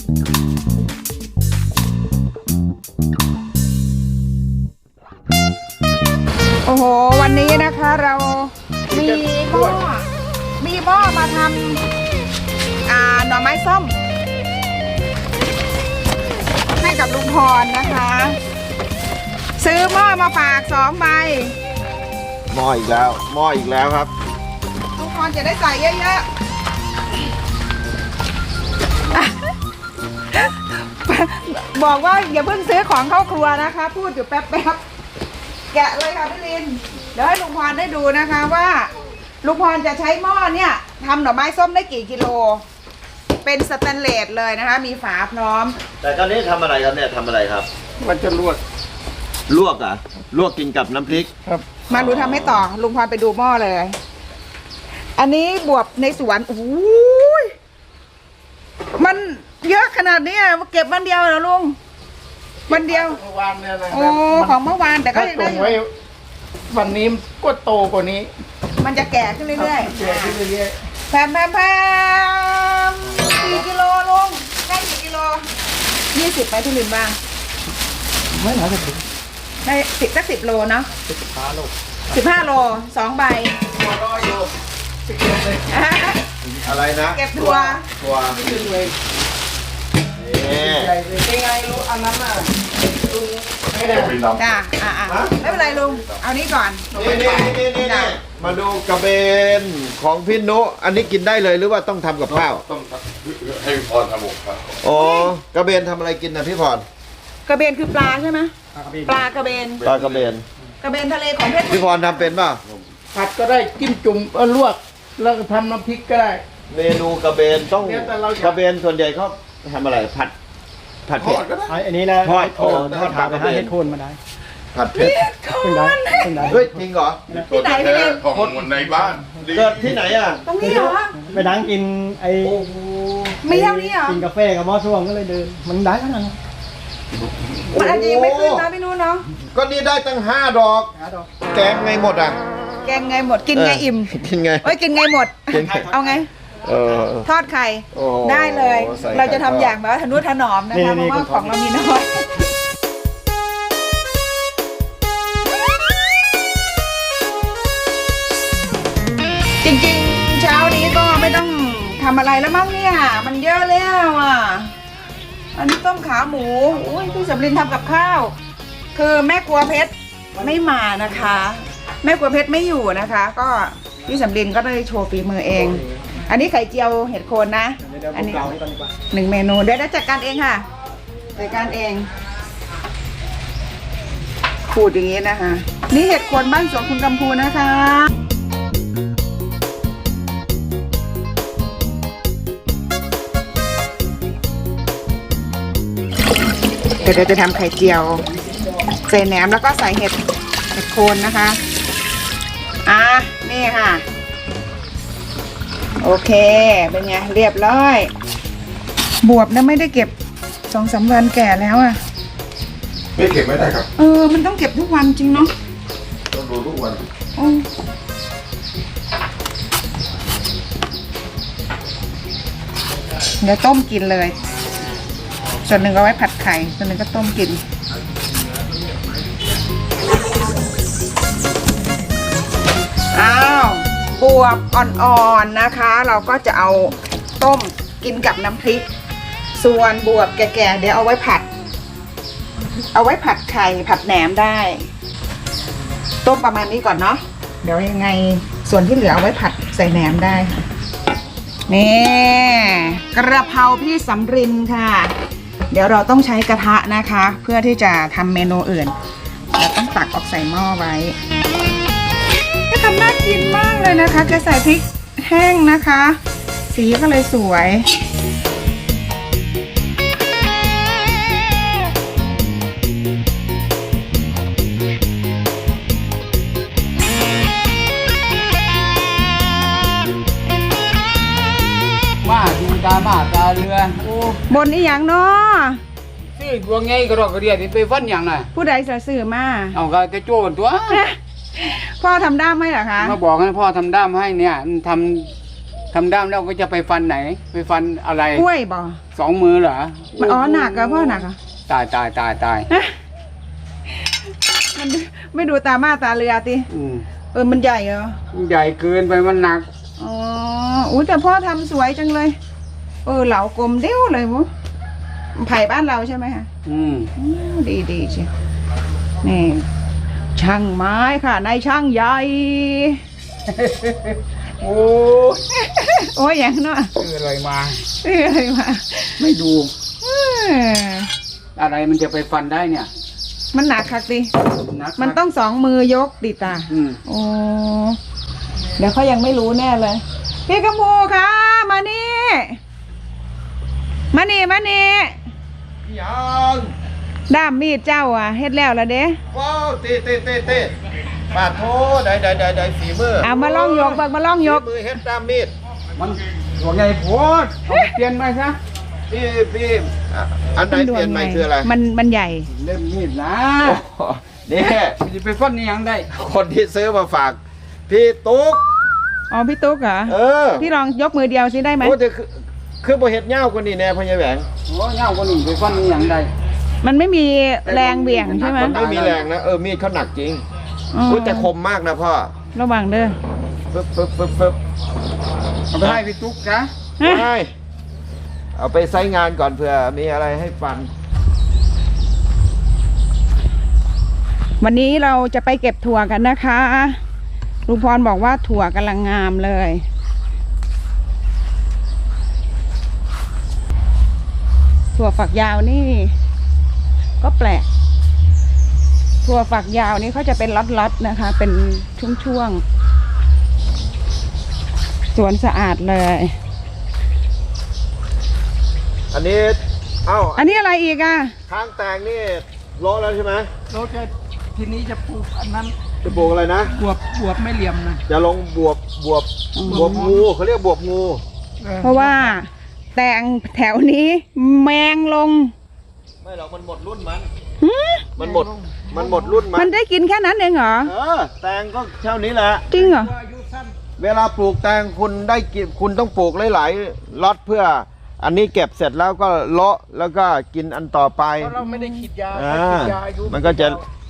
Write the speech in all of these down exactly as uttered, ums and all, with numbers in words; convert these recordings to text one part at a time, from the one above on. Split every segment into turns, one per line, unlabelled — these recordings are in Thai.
โอ้โหวันนี้นะคะเรามีหม้อมีหม้อมาทำอ่าหน่อไม้ส้มให้กับลุงพรนะคะ ซื้อหม้อมาฝากสองใบ
หม้ออีกแล้วหม้ออีกแล้วครับ
ลุงพรจะได้ใส่เยอะๆ บอกว่าอย่าเพิ่งซื้อของเข้าครัวนะคะ พูดอยู่แป๊บๆแกะเลยค่ะพี่ลินเดี๋ยวให้ลุงพรได้ดูนะคะว่าลุงพรจะใช้หม้อเนี่ยทำหน่อไม้ส้มได้กี่กิโลเป็นสแตนเลสเลยนะคะมีฝาพร้อม
แต่ตอนนี้ทำอะไรครับเนี่ยทำอะไรครับ
มันจะลวก
ลวกอ่ะลวกกินกับน้ำพริก
ครับ
มาดูทำให้ต่อลุงพรไปดูหม้อเลย อันนี้บวบในสวนโอ้ยมันเยอะขนาดนี้เก็บวันเดียวเหรอลุงวันเดียว
เมื่อวานเนี่ยนะ
โอ้ของเมื่อวานแต่ก็
ถ้า
ยัง
ตร
ได้
ง
อยู่
ไว้วันนี้ก็โตกว่านี้
มันจะแก่ขึ้นเรื่อย
แก่ขึ้นเรื่อย
ๆแพมแพมแพมกี่กิโลลุงได้กี่กิโลยี่สิบไปที่ลินบ้าง
ๆไม่หนาจะถึง
ได้สิบสักสิบโลเนาะ
สิบห้าโล
สิบห้าโลสองใบ
ตัวรออยู่สิบเอ็ดเลย
อะไรนะ
เก็บถั่ว
ตัว
ขึ้นเลย
นี่
ใหญ่เลยเป็นไงรู้อันนั้นน่ะลุงไม่ได้
จ้าอ่าอ่าไม่เป็นไรลุงเอานี้ก่อน
นี่นี่นี่นี่นี่มาดูกระเบนของพี่นุอันนี้กินได้เลยหรือว่าต้องทำกับข้าว
ต้องให้พรทำหมกครับ
อ๋อกระเบนทำอะไรกินนะพี่พร
กระเบนคือปลาใช่ไหมปลากระเบน
ปลากระเบน
กระเบนทะเลของเพชร
พี่พรทำเป็นป่ะ
ผัดก็ได้จิ้มจุ่มเออลวกแล้วก็ทำน้ำพริกก็ได้
เมนูกระเบนต้อง
เนี่ยแต่เราอยาก
กระเบนส่วนใหญ่เขาทำอะไรผัดผัด
ท
เผ็
อ
ด
ดก็ได้
อันนี้นะ
ทอด
โคน
ทอดปลากระเบน
ให้โคนมาได้
ผัดเผ็ด
เป็นได้เป็นได้
เฮ้ยจริงเหรอ
ที่ไหนพี่เล่น
ของคนในบ้านดี
เกิดที่ไหนอ่ะ
ตรงนี้เหรอ
ไปนั่งกินไอ้
ไม่เท่านี้เหรอ
กินกาแฟกับหม้อส้วมก็เลยเดิน มันได้ขนาดนั้น
มันอาจจะยังไม่ขึ้นนะพี่นู้นเนาะ
ก็นี่ได้ตั้งห้าดอก
หาดอก
แกงไงหมดอ่ะ
แกงไงหมดกินไงอิ่ม
กินไง
เอ้ยกินไงหมด
กินไง
เอาไง
เออ
ทอดไข่
โอ้โห
ได้เลย
ใส่ไข่
เราจะทำอย่างแบบว่าทะนุถนอมนะคะเพราะว่าของเรามีน้อยจริงๆ เช้านี้ก็ไม่ต้องทำอะไรแล้วมั้งเนี่ย มันเยอะแล้วอ่ะ อันนี้ต้มขาหมูอุ้ยพี่สำลินทำกับข้าว คือแม่ครัวเพชรไม่มานะคะ แม่ครัวเพชรไม่อยู่นะคะ ก็พี่สำลินก็ได้โชว์ฝีมือเอง อันนี้ไข่เจียวเห็ดโคนนะ
เดี๋ยว
อัน
ผม
นี้
เกาให้ก่อนดีกว่า
หนึ่งเมนูเดี๋ยวได้จัดการเองค่ะจัดการเองขูดอย่างนี้นะคะ นี่เห็ดโคนบ้านสวนคุณกำพูนะคะเดี๋ยวเราจะทำไข่เจียวใส่แหนมแล้วก็ใส่เห็ดเห็ดโคนนะคะอ่ะนี่ค่ะโอเคเป็นไงเรียบร้อยบวบนะไม่ได้เก็บสองสามวันแก่แล้วอ่ะ
ไม่เก็บไม่ได้ครับ
เออมันต้องเก็บทุกวันจริงเนาะ
ต้องดูทุกวัน
อืมเดี๋ยวต้มกินเลยส่วนหนึ่งเอาไว้ผัดไข่ส่วนหนึ่งก็ต้มกินอ้าวบวบอ่อนๆนะคะ เราก็จะเอาต้มกินกับน้ำพริก ส่วนบวบแก่ๆเดี๋ยวเอาไว้ผัด เอาไว้ผัดไข่ผัดแหนมได้ ต้มประมาณนี้ก่อนเนาะเดี๋ยวยังไงส่วนที่เหลือเอาไว้ผัดใส่แหนมได้ค่ะนี่กระเพราพี่สำรินค่ะ เดี๋ยวเราต้องใช้กระทะนะคะ เพื่อที่จะทำเมนูอื่นเราต้องตักออกใส่หม้อไว้ก็ทำน่ากินมากเลยนะคะจะใส่พริกแห้งนะคะ สีก็เลยสวย
ว่าดูตาบ้าตาเรือโอ้
บนอีหยังเนาะ
ซื้อดวงไงก็รอกกระเดียดไปฟันอย่างน่ะ
ผู้ใดจะซื้อมา
เอาก็กระโจนตัว
พ่อทำได้ไหมเหรอคะ
มาบอกให้พ่อทำด้ามให้เนี่ยทำทำด้ามแล้วก็จะไปฟันไหน ไปฟันอะไร
กล้วยบ่
สองมือเหรอ
อ๋อหนักอะพ่อหนักอะ
ตายตายตายตาย
มันไม่ดูตามาตาเรือติ
อืม
เออมันใหญ่เหรอ
ใหญ่เกินไปมันหนัก
อ๋ออุ้ยแต่พ่อทำสวยจังเลย เออเหลากลมเด้วเลยมุไผ่บ้านเราใช่ไหมคะ
อืม
อืมดีดีใช่นี่ช่างไม้ค่ะนายช่างใหญ่
โอ้
โอ้ยอย่างเนาะ
ซื้ออะไรมา
เอ้ยมา
ไม่ดู
เออ
อะไรมันจะไปฟันได้เนี่ย
มันหนักคักดิ
หนัก
มันต้องสองมือยกดิตา
อืม
โอ้เดี๋ยวเขายังไม่รู้แน่เลย พี่กำพูคะมานี่ มานี่มานี่
ยัง
ด้ามมีดเจ้าอ่ะเฮ็ดแล้วละเด้
ว้าวเตะเตะเตะเตะปาดโถได้ได้ได้ได้ฝีมือ
เอามาล่องยกเบิกมาล่องยก
ฝีมือเฮ็ดตามมีด
มันหัวใหญ่โพดเอาไปเปลี่ยนไปซะ
พี่พี่อ่ะอันไหนเปลี่ยนใหม่คืออะไร
มันมันใหญ่
เล่มมีดนะ
โอ้โหนี่
มันจะไปฟันนี่ยังได้
คนที่ซื้อมาฝาก พี่ตุ๊ก
อ๋อพี่ตุ๊กเหรอ
เออ
พี่ลองยกมือเดียวสิได้ไหม
โอ้แต่คือคือบ่เฮ็ดยาวกว่านี้แน่พ่อใหญ่แหวง
โอ้ยาวกว่านี้ไปฟันนี่ยังได้
มันไม่มีแรงเบี่ยงใช่ไหม
มันไม่มีแรงนะเออมีดเขาหนักจริง
อ๋อ
พูดแต่คมมากนะพ่อ
ระวังเด้อ
ฟึบฟึบฟึบฟึบ
เอาไปให้พี่ตุ๊กนะ
ฮะ
ไปเอาไปใช้งานก่อนเผื่อมีอะไรให้ฟัน
วันนี้เราจะไปเก็บถั่วกันนะคะลุงพรบอกว่าถั่วกำลังงามเลย ถั่วฝักยาวนี่ ก็แปลก ถั่วฝักยาวนี่เขาจะเป็นล็อตๆนะคะ เป็นช่วงๆสวนสะอาดเลย
อันนี้เอ้า
อันนี้อะไรอีกอ่ะ
ทางแตงนี่โลแล้วใช่ไหม
เราจะทีนี้จะปลูกอันนั้น
จะปลูกอะไรนะ
บวบบวบไม่เหลี่ยมนะ
จะลงบวบบวบบวบงูเขาเรียกบวบงู
เพราะว่าแตงแถวนี้แมงลง
ไม่หรอกมันหมดรุ่นมัน
หือ
มันหมดมันหมดรุ่นมั
มัน นได้กินแค่นั้นเองเหรอ
เออแตงก็เท่านี้แหละ
จริงเหรอ
อายุสั้น
เวลาปลูกแตงคุณได้กินคุณต้องปลูกหลายๆล็อตเพื่อ อันนี้เก็บเสร็จแล้วก็เลาะแล้วก็กินอันต่อไป
เพราะเราไม่ได้ฉีดยา
อ่า
ฉีดยาอายุ
มันก็จะ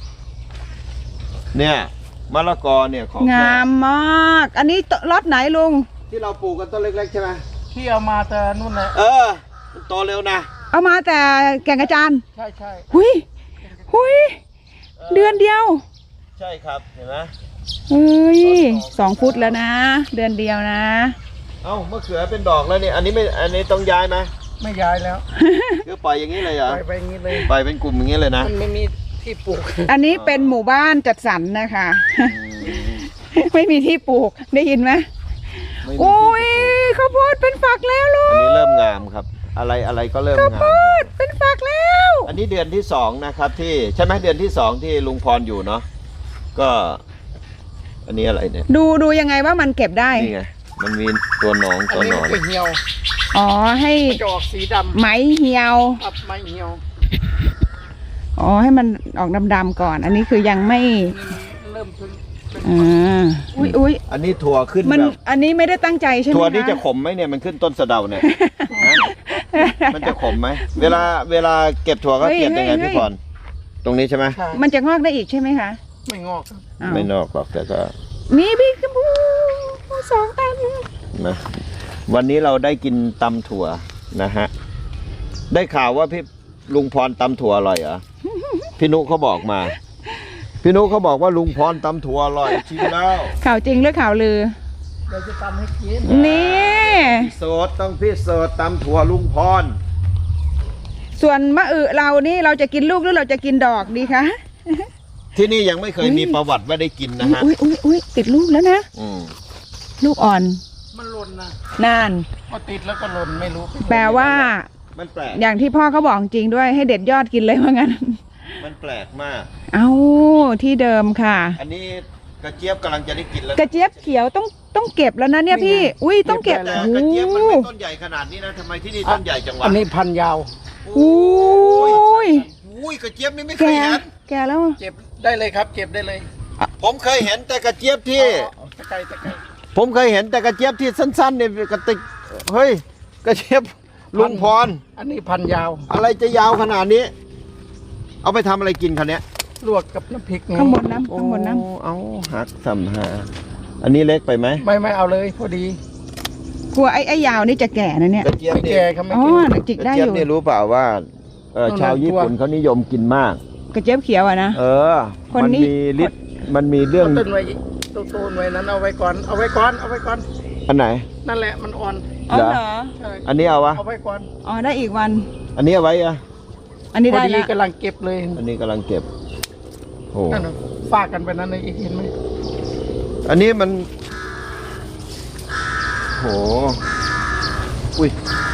เนี่ยมะละกอเนี่ยของ
งามมาก อันนี้ล็อตไหนลุง
ที่เราปลูกกันต้นเล็กๆใช่ไหม
ที่เอามาแต่นู่นแหละ
เออมันโตเร็วนะ
เอามาแต่แก่งกระจาน
ใช่ใช่
หุยหุยเดือนเดียว
ใช่ครับเห็นไหม
เฮ้ยสองฟุตแล้วนะ เดือนเดียวนะ
เอ้ามะเขือเป็นดอกแล้วนี่อันนี้ไม่อันนี้ต้องย้ายไหม
ไม่ย้ายแล้ว
คือปล่อยอย่างนี้เลยเหรอ
ไปไปอย่างนี้เลย
ปล่อยเป็นกลุ่มอย่างนี้เลยนะ
มันไม่มีที่ปลูก
อันนี้เป็นหมู่บ้านจัดสรรนะคะ ไม่มีที่ปลูกได้ยินไหม
ไม่มี
โอ้ยข้าวโพดเป็นฝักแล้วลู
อัน
ก
นี้เริ่มงามครับ อะไรอะไรก็เริ่ม
ข้าว
งา
โพ
ม
ดเป็นฝักแล้ว
อันนี้เดือนที่สองนะครับที่ใช่ไหมเดือนที่สองที่ลุงพรอยู่เนาะก็ อันนี้อะไรเนี่ย
ดูดูยังไงว่ามันเก็บได้
นี่ไงมันมีตัวหนอง
อัน
ตัวห
นี้
นอน
ไปเหี่ยว
อ๋อให้
จะออกสีดำ
ไหมเหี่ยว
อับไม่เหี่ยว
อ๋อให้มันออกดำๆก่อน อันนี้คือยังไม่
เริ่มเป็นเป็น
อ่าอุ้ยอุ้ย
อันนี้ถั่วขึ้น
มัน
แบบ
อันนี้ไม่ได้ตั้งใจใช่ไหม
ถั่วนี่
ค
จะขมไหมเนี่ยมันขึ้นต้นสะเดาเนี่ยฮะมันจะขมไหมเวลาเวลาเก็บถั่วก็เก็บยังไงพี่พรตรงนี้ใช่ไหม
ใช่
มันจะงอกได้อีกใช่ไหมคะ
ไม่งอกครับ
อ้าว
ไม่นอกหรอกแต่ก็
มีพี่กระพูสองตัน
นะวันนี้เราได้กินตำถั่วนะฮะได้ข่าวว่าพี่ลุงพรตำถั่วอร่อยเหรอพี่นุเขาบอกมา พี่นุเขาบอกว่าลุงพรตำถั่วอร่อยชิมแล้ว
ข่าวจริงหรือข่าวลือ
เดี๋ยวจะทำให้กิน
นี่
โสดต้องพี่โสดตำถั่วลุงพร
ส่วนมะอึเรานี่เราจะกินลูกหรือเราจะกินดอกดีคะ
ที่นี่ยังไม่เคยมีประวัติว่าได้กินนะฮะ
อุ้ยอุ้ยอุ้ยติดลูกแล้วนะ
อืม
ลูกอ่อน
มันหล่นนะ
นาน
พอติดแล้วก็หล่นไม่รู้เป็นไง
แปลว่า
มันแปลก
อย่างที่พ่อเขาบอกจริงด้วยให้เด็ดยอดกินเลยว่างั้น
มันแปลกมาก
เอาที่เดิมค่ะ
อันนี้กระเจี๊ยบกำลังจะได้กินแล้ว
กระเจี๊ยบเขียวต้องต้องเก็บแล้วนะเนี่ยพี่ อุ้ยต้องเก็บ
แต่
โอ้
กระ
โห
เจี๊ยบมันไม่ต้นใหญ่ขนาดนี้นะทำไมที่นี่ต้นใหญ่จังวะ
อันนี้พันยาว
อุ้ย
อุ้ยกระเจี๊ยบนี่ไม่เค
แก
ยเห็น
แกแล้ว
เก็บได้เลยครับ เก็บได้เลย
ผมเคยเห็นแต่กระเจี๊ยบที่
อ๋อตะไคร้ตะไคร้
ผมเคยเห็นแต่กระเจี๊ยบที่สั้นๆเนี่ยกระติกเฮ้ยกระเจี๊ยบลุงพร
อันนี้พันยาว
อะไรจะยาวขนาดนี้ เอาไปทำอะไรกินคันเนี้ย
ลวกกับน้ำพริกไ
ข้างบนน้ำข้างบนน้
โอ้เอาหักสัมหาอันนี้เล็กไปไหม
ไม่ไม่เอาเลยพอดี
ำกลัวไอ้ไอ้ยาวนี่จะแก่นะเนี่ย
กระเจี๊ยบ
ไม่
นี่
แก่ครับไม่
อ๋อ
แก่
จิก
กระ
ได้
เจี๊
อย
บ
ยู่
นี่รู้เปล่าว่าเออ
ต้อง
ชาวญี่ปุ่น
ตัว
เขานิยมกินมาก
กระเจี๊ยบเขียวอะนะ
เออ
คน
มัน
นี้
มีฤทธิ์มันมีเรื่อง
ต้นไว้ต้นต้นไว้นั้นเอาไว้ก่อนเอาไว้ก่อนเอาไว้ก่อน
อันไหน
นั่นแหละมันอ่อน
อ๋อ
เหรอ
เหรอ
ใช่
อันนี้เอาวะ
เอาไว้ก่อน
อ๋อได้อีกวัน
อันนี้เอาไว้อะ
อันนี้
พอ
ได้
ดี
แล้ว
กำลังเก็บเลย
อันนี้กำลังเก็บโอ้
นั่นน่ะฝากกันไปนั้นเลยเห็นไหม
อันนี้มันโหอุ้ย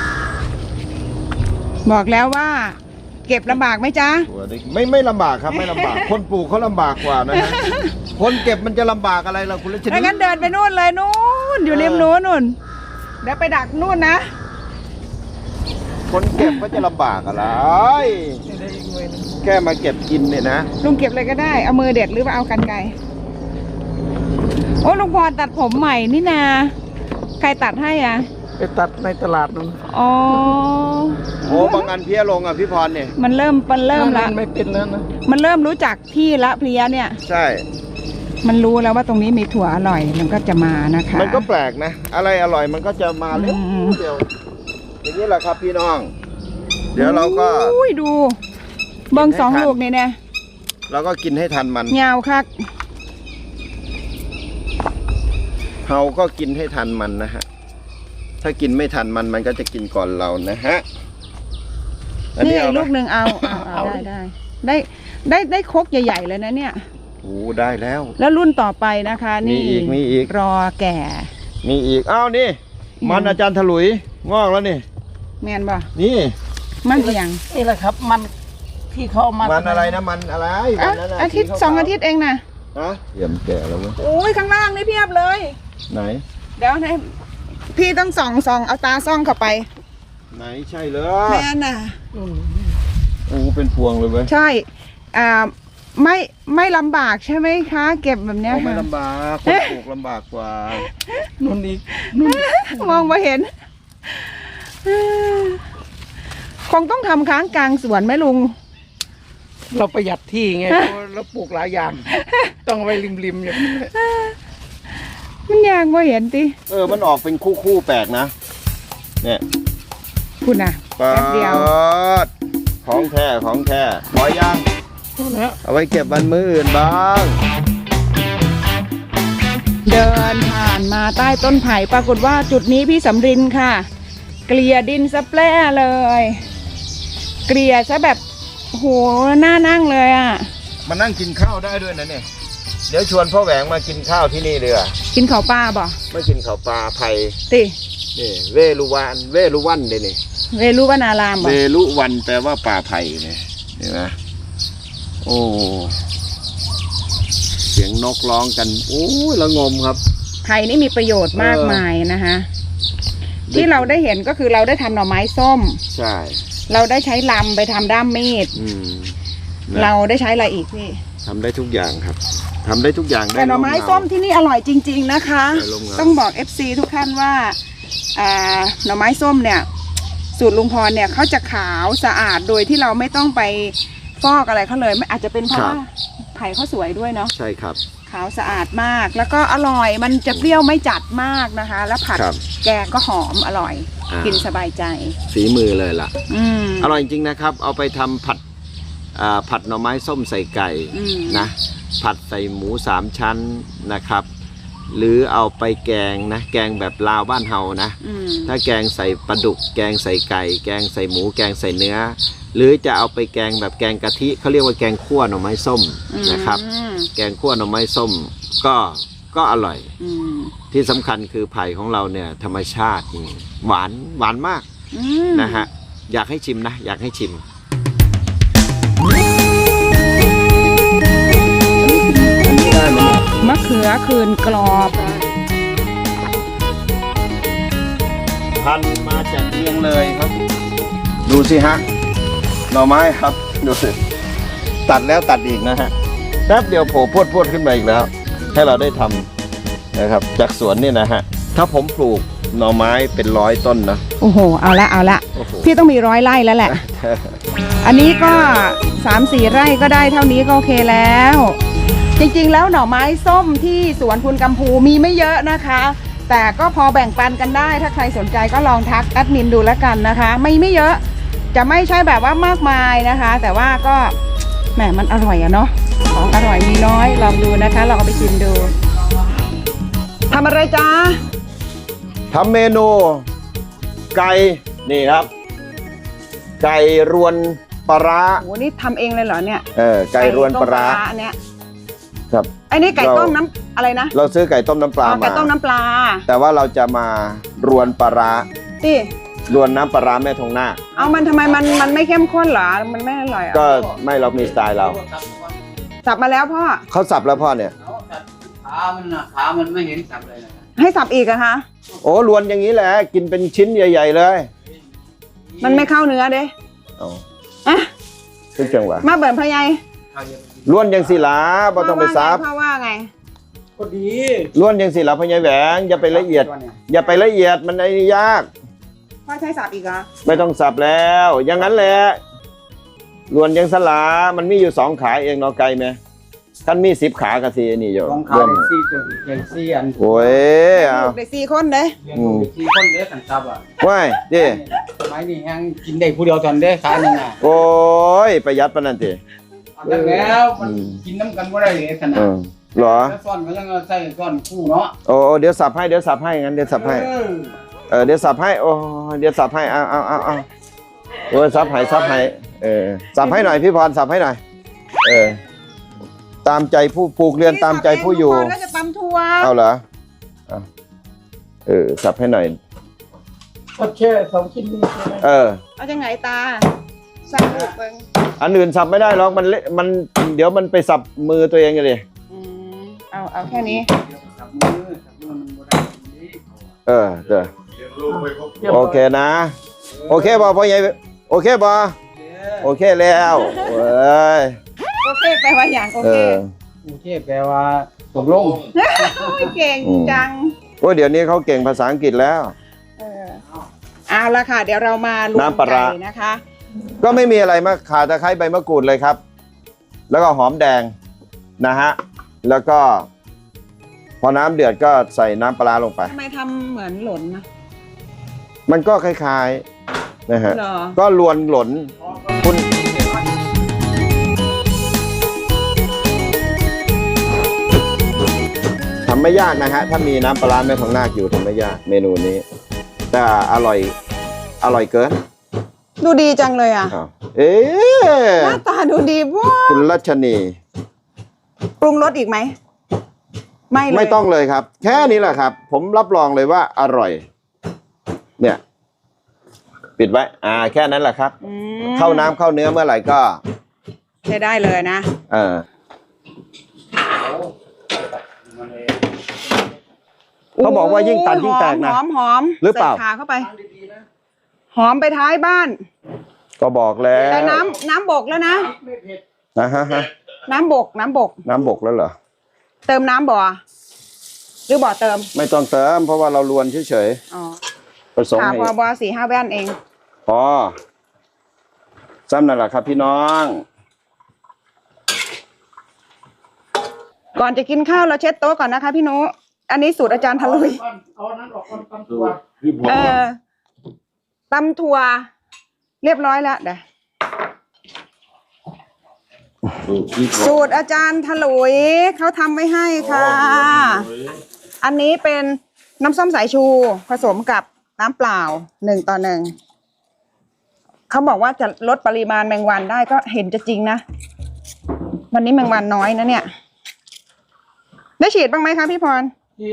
บอกแล้วว่า เก็บลำบากไหมจ๊ะ
ตัวเล็กไม่ไม่ลำบากครับไม่ลำบาก คนปลูกเขาลำบากกว่านะฮะคนเก็บมันจะลำบากอะไรล่ะคุณรัชนี
ถ้างั้นเดินไปนู่นเลยนู่นอยู่ริมนู้นนู่นเดี๋ยวไปดักนู่นนะ
คนเก็บก็จะลำบากอะไร
นี่ได้อีกหน่วยหนึง
แค่มาเก็บกินเนี่ยนะ
ลุงเก็บเลยก็ได้เอามือเด็ดหรือว่าเอากันไกรโอ้ลุงพรตัดผมใหม่นี่นาใครตัดให้อ่ะ
ไปตัดในตลาดนั้น
อ๋อ
โอ้บางอันเพี้ยลงอ่ะพี่พรเนี่ย
มันเริ่มมันเริ่มละ
นั่นไม่เป็นแล้วนะ
มันเริ่มรู้จักที่ละเพลียเนี่ย
ใช่
มันรู้แล้วว่าตรงนี้มีถั่วอร่อยมันก็จะมานะคะ
มันก็แปลกนะ อะไรอร่อยมันก็จะมาเร็ว
อืม
เดียวอย่างนี้แหละครับพี่น้อง เดี๋ยวเราก็
อุ้ยดู เบิ้งสองลูกนี่เนี่ย
เราก็กินให้ทันมัน
ยาวคัก
เราก็กินให้ทันมันนะฮะ ถ้ากินไม่ทันมันมันก็จะกินก่อนเรานะฮะ อัน
นี่
นี้เอา
ลู
ไห
ก
ม
หนึ่งเอาเอาเอาได้ได้ได้ได้ได้ครกใหญ่ๆเลยนะเนี่ย
โอ้ได้แล้ว
แล้วรุ่นต่อไปนะคะ นี่
มีอีกมีอีก
รอแก่
มีอีก อ้าวนี่ มันอาจารย์ถลุย งอกแล้วนี่
แมนบ่
นี่
มันเอียง
นี่แหละครับมันที่เขาเอามา
มันอะไรนะ มันอะไร
อ่ะ
วันนั้นน่ะ
อาทิตย์
สีขวๆ
สองอาทิตย์เองนะ
ฮะเยี่ยมแก่แล้วเว้ย
โอ้ยข้างล่างนี่เพียบเลย
ไหน
เดี๋ยวให้พี่ต้องส่องส่องเอาตาส่องเข้าไป
ไหนใช่เล
แม
ย
นน่ะ
อืม
โอ้เป็นพวงเลยเว้ย
ใช่ อ่า ไม่ไม่ลำบากใช่ไหมคะ เก็บแบบเนี้ย
โอ้ไม่
ค่ะ
ลำบากคนปลูกลำบากกว่า
นู่นอีก
มองมาเห็น คงต้องทำค้างกลางสวนไหมลุง
เราประหยัดที่ไงเพราะเราปลูกหลายอย่าง ต้องเอาไว้ริมๆอย่างนี้
มันยางว่าเห็นติ
เออ มันออกเป็นคู่คู่ๆแปลกนะ เนี่ย
คุณน่ะ
ปา
แป๊บเดียว
ดของแท้ของแท้พอย่าง
แล้ว
เอาไว้เก็บวันมื้ออื่นบ้าง
เดินผ่านมาใต้ต้นไผ่ปรากฏว่าจุดนี้พี่สำรินค่ะ เกลี่ยดินซะแปร่เลย เกลี่ยซะแบบโหน่านั่งเลยอ่ะ
มานั่งกินข้าวได้ด้วยนะเนี่ย เดี๋ยวชวนพ่อแหวงมากินข้าวที่นี่เลยอ่ะ
กินข้าวปลาบ่
ไม่กินข้าวปลาไผ่
ติ
นี่เวลุวันเวลุวันเด้นี่
เวรุวนารามบ่
เวลุวันแปลว่าป่าไผ่เนี่ยเห็นไหมโอ้เสียงนกร้องกันโอ้ยละงมครับ
ไผ่นี่มีประโยชน์มาก
เออ
มายนะคะ ที่เราได้เห็นก็คือเราได้ทำหน่อไม้ส้ม
ใช่
เราได้ใช้ลำไปทำด้ามมีด
อืม
เรา
นะ
ได้ใช้อะไรอีกพี่
ทำได้ทุกอย่างครับทำได้ทุกอย่างได้
แต่หน่อไม้
ร่เงา
ส้มที่นี่อร่อยจริง ๆนะคะ
ได้ร่มเงา
ต้องบอก เอฟ ซี ทุกท่านว่าอ่าหน่อไม้ส้มเนี่ย สูตรลุงพรเนี่ยเขาจะขาวสะอาดโดยที่เราไม่ต้องไปฟอกอะไรเขาเลยไม่อาจจะเป็นเพราะว่าไผ่เขาสวยด้วยเนาะ
ใช่ครับ
ขาวสะอาดมาก แล้วก็อร่อยมันจะเปรี้ยวไม่จัดมากนะคะ แล้วผัด
ครับ
แกงก็หอมอร่อย
อ่ากิ
กินสบายใจ
ฝีมือเลยล่ะ
อืม
อร่อยจริงๆนะครับ เอาไปทำผัดอ่าผัดหน่อไม้ส้มใส่ไก่
อืม
นะ ผัดใส่หมูสามชั้นนะครับ หรือเอาไปแกงนะ แกงแบบลาวบ้านเฮานะ
อืม
ถ้าแกงใส่ปลาดุก แกงใส่ไก่ แกงใส่หมู แกงใส่เนื้อ หรือจะเอาไปแกงแบบแกงกะทิเขาเรียกว่าแกงขั่วหน่อไม้ส้มนะครับ
อืม
แกงขั่วหน่อไม้ส้มก็ก็อร่อย
อืม
ที่สำคัญคือไผ่ของเราเนี่ยธรรมชาติจริงหวานหวานมาก
อืม
นะฮะอยากให้ชิมนะ อยากให้ชิม
มะเขือคืนกรอบ
พันมาจากเชียงเลยครับ ดูสิฮะหน่อไม้ครับ ดูสิตัดแล้วตัดอีกนะฮะแป๊บเดียวโผล่พรวดพรวดขึ้นมาอีกแล้ว ให้เราได้ทำนะครับ จากสวนนี่นะฮะถ้าผมปลูกหน่อไม้เป็นร้อยต้นนะ
โอ้โห เอาละเอาละ
โอ้โห
พี่ต้องมีร้อยไร่แล้วแหละ อันนี้ก็สามสี่ไร่ก็ได้เท่านี้ก็โอเคแล้ว จริงๆแล้วหน่อไม้ส้มที่สวนคุณกำพูมีไม่เยอะนะคะ แต่ก็พอแบ่งปันกันได้ ถ้าใครสนใจก็ลองทักแอดมินดูแล้วกันนะคะ ไม่ไม่เยอะจะไม่ใช่แบบว่ามากมายนะคะ แต่ว่าก็แหมมันอร่อยอะเนาะของอร่อยมีน้อยลองดูนะคะลองเอาไปชิมดูทำอะไรจ้า
ทำเมนูไก่นี่ครับ ไก่รวนปลาร้า
โหนี่ทำเองเลยเหรอเนี่ย
เออไก่รวนปลาร้า
ไก่ต้มอันเนี้ย
ครับ
ไอ้นี่ไก่
เรา
ต้มน้ำอะไรนะ
เราซื้อไก่ต้มน้ำปลา
อ๋อไก่
มา
ต้มน้ำปลา
แต่ว่าเราจะมารวนปลาร้า
นี่
รวนน้ำปลาร้าแม่ทองหน้า
เอามันทำไมมันมันไม่เข้มข้นเหรอมันไม่อร่อยอ่ะ
ก็ไม่เรามีสไตล์เรา
สับมาแล้วพ่อ
เขาสับแล้วพ่อเนี่ย
ขามันนะขามันไม่เห็นสับเลยนะ
ให้สับอีกอะคะ
โอ้รวนอย่างนี้แหละกินเป็นชิ้นใหญ่ ๆ เลย
มันไม่เข้าเนื้อเด้
เอา
อะ
ซึ่งจังหวะ
มาเบิร์นพะไย
รวนอย่างสิหลาบ่ต้องไปซับ
พ่อว่าไง
ก็ดี
รวนอย่างสิหลาพญายแหวงอย่าไปละเอียด อย่าไปละเอียดมันไอ้นี่ยาก
พ่อใช้สับอีกเหรอ
ไม่ต้องสับแล้ว อย่างนั้นแหละรวนอย่างสลามันมีอยู่สองขาเองเนาะไกลไหมท่านมีสิบขากะสีนี่อยู่
สองขา
ร่วม
สี่ตัวเก่งสี่อัน
โอ้ยเอา
ลูกได้สี่คนเด้
เลี้ยงลูกสี่คนเด้สันสับอ่ะ
ว้ายดิ
สมัยนี้ยังกินได้ผู้เดียวตอนเด้ขาหนึ่งอ่ะ
โอ้ยประหยัดปานนั้นติ
แล้วมันกินน้ำกันว่าได้เลยขนา
เอ
ด
อเหรอ
แล้วซ่อนก็ยังใส่ซ่อนคู่เนาะ
โอ้เดี๋ยวสับให้เดี๋ยวสับให้งั้นเดี๋ยวสับให้
เออ
เออเดี๋ยวสับให้โอ้เดี๋ยวสับให้เอาเอาเอาเอาโอ้ยสับให้สับให้เออสับให้หน่อยพี่พรสับให้หน่อยเออตามใจผู้ปลูกเรือนตามใจผู้อยู่
แล้วจะตำทัว
เอาเหรอเอาเออสับให้หน่อย
ก็แค่สองชิ้นนี้ใช่ไหม
เออ
เอาจังไหนตาสับลูกเบิ่ง
อันอื่นสับไม่ได้หรอกมันเละมันเดี๋ยวมันไปสับมือตัวเองเลย
อืมเอาเอาแค่นี้
สับมือสับมือมันบ่ได้
เออเออ
เลี้ยงลูกไม่ครบ
โอเคนะ โอเคบอพ่อใหญ่โอเคบอโอเคแล้วเว้ย
โอเคแปลว่าอย่างโอ
เอ
เค
อ
โอเคแปลว่าตกลง
โอ้ยเก่งจัง
โอ้ยเดี๋ยวนี้เขาเก่งภาษาอังกฤษแล้ว
เออเอาละค่ะ เดี๋ยวเรามาลว
น้ำปลาร้า
ไก่นะคะ
ก็ไม่มีอะไรมากขาตะไคร้ใบมะกรูดเลยครับ แล้วก็หอมแดงนะฮะแล้วก็ พอน้ำเดือดก็ใส่น้ำปลาร้าลงไป
ทำไมทำเหมือนหล่นนะ
มันก็คล้ายๆนะฮะ
เหรอ
ก็ลวนหล่นคุณทำไม่ยากนะฮะ ถ้ามีน้ำปลาร้าแม่ทองนาคอยู่ทำไม่ยากเมนูนี้ แต่อร่อยอร่อยเกิน
ดูดีจังเลยอ่ะ
อ้าวเอ๊ะ
หน้าตาดูดีว้า
คุณรัชนี
ปรุงรสอีกไหม ไม่เลย
ไม่ต้องเลยครับ แค่นี้แหละครับ ผมรับรองเลยว่าอร่อย เนี่ย ปิดไว้ อ่า แค่นั้นแหละครับ
อืม
เข้าน้ำเข้าเนื้อเมื่อไหร่ก็
ใช้ได้เลยนะ
เออเขาบอกว่ายิ่งตัดยิ่งแตกนะ
หอมหอม
หรือเปล่า
ใส่ขาเข้าไป หอมไปท้ายบ้าน
ก็บอกแล้ว
แต่น้ำน้ำบกแล้วนะ
นะฮะฮะ
น้ำบกน้ำบก
น้ำบกแล้วเหรอ
เติมน้ำบ่อหรือบ่อเติม
ไม่ต้องเติม เพราะว่าเราลวนเฉย
อ๋อ
ๆผสม
ค่ะ
ให้
พอบอสี่ห้าแว่นเอง
พอซ้ำนั่นแหละครับพี่น้อง
ก่อนจะกินข้าวเราเช็ดโต๊ะก่อนนะคะพี่นุอันนี้สูตรอาจารย์ทะลุย
เอานั้นออกก่อนตำตัว
พี่พร
เออตำถั่วเรียบร้อยแล้วเดี๋ยว
พี่พร
สูตรอาจารย์ถลุยเขาทำไว้ให้ค่ะ อันนี้เป็นน้ำส้มสายชูผสมกับน้ำเปล่าหนึ่งต่อหนึ่งเขาบอกว่าจะลดปริมาณแมงวันได้ก็เห็นจะจริงนะ วันนี้แมงวันน้อยนะเนี่ย ได้ฉีดบ้างไหมคะพี่พร
ที่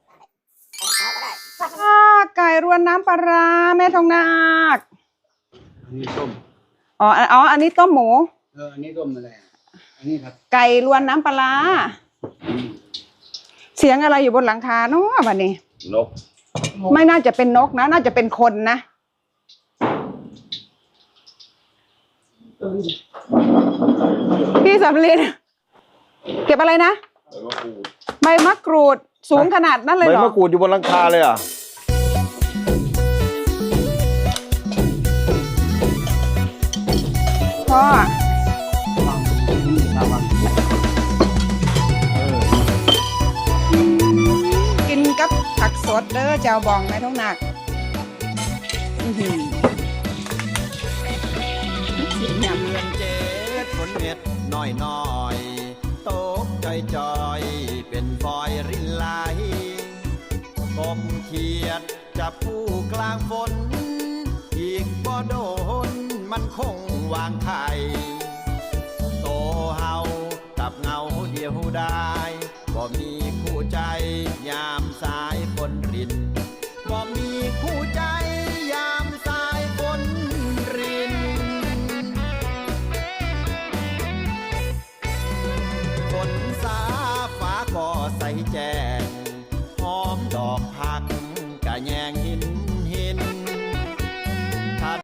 อ่าไก่รวนน้ำปลาร้าแม่ทองนาค
นี่ต้ม
อ๋ออ๋ออันนี้ต้มหมู
เอออันนี้ต้มอะไรอ่ะอันนี้ครับ
ไก่รวนน้ำปลาร้าเสียงอะไรอยู่บนหลังคาเนาะวันนี้
นก
ไม่น่าจะเป็นนกนะ น่าจะเป็นคนนะ พี่สำลีเก็บอะไรนะ
แล้วก็ปู
ใบมะกรูดสูงขนาดนั้นเลย
ใบ
เหรอ
มะกรูดอยู่บนหลังคาเลยเหรอ่ะ
พ่อกินกับผักสดเด้อเจ้าบองไม่ต้องหนักอื้อหือเสียงยำ
เดือนเจ็ดฝนเม็ดน้อยน้อยตกจอยจอยเป็นฟอยรินไหลกบเขียดจับผู้กลางฝน อีกบ่โดนมันคงวางไข่โตเฮากับเงาเดียวได้บ่มี